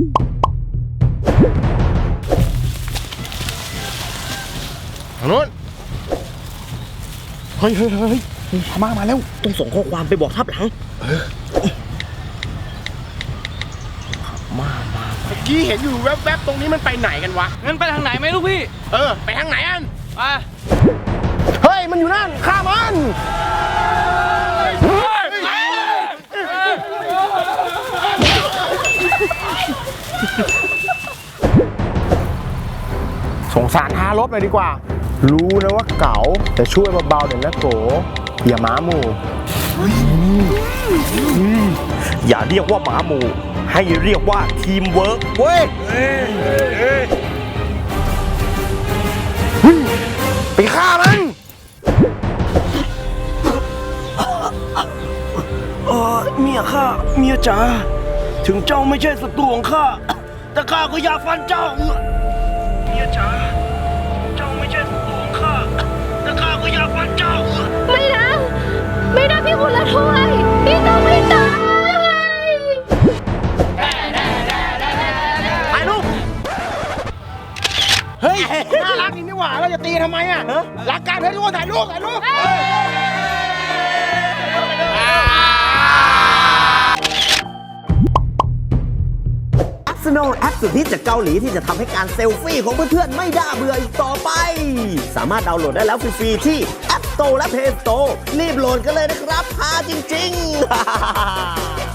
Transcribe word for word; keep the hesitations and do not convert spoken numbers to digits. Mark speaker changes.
Speaker 1: ทางโน้นเฮ้ยเฮ้ยเฮ้ยพม่ามาแล้ว
Speaker 2: ต้องส่งข้อความไปบอกทับหลังมามา
Speaker 1: เมื่อกี้เห็นอยู่แวบๆตรงนี้มันไปไหนกันวะ
Speaker 3: งั้นไปทางไหนไหมลูกพี่
Speaker 1: เออไปทางไหนอัน
Speaker 3: ไป
Speaker 1: เฮ้ยมันอยู่นั่นฆ่ามันสงสารทารถเลยดีกว่ารู้นะว่าเก๋าแต่ช่วยเบาๆเดี๋ยวนะโกอย่าหมาหมู่
Speaker 2: อย่าเรียกว่าหมาหมู่ให้เรียกว่าทีมเวิร์กเว้ย
Speaker 1: ไปฆ่ามัน
Speaker 2: เออเมียข้าเมียจ๋าถึงเจ้าไม่ใช่ศัตรูของข้าแต่ข้าก็อยากฟันเจ้าเมียจ๋าเจ้าไม่ใช่ศัตรูของข้าแต่ข้าก็อยากฟันเจ้า
Speaker 4: ไม่นะไม่นะพี่คุณละถ้วยพี่ต้องไม่ตาย
Speaker 1: ถ่ายรูปเฮ้ยน่ารักจริงนี่หว่าเราจะตีทำไมอ่ะรักกันเฮ้ยทุกคนถ่ายรูปถ่ายรูป
Speaker 2: สโนว์แอปสุดฮิตจากเกาหลีที่จะทำให้การเซลฟี่ของเพื่อนๆไม่น่าเบื่ออีกต่อไปสามารถดาวน์โหลดได้แล้วฟรีๆที่ App Store และ Play Store รีบโหลดกันเลยนะครับพาจริงๆ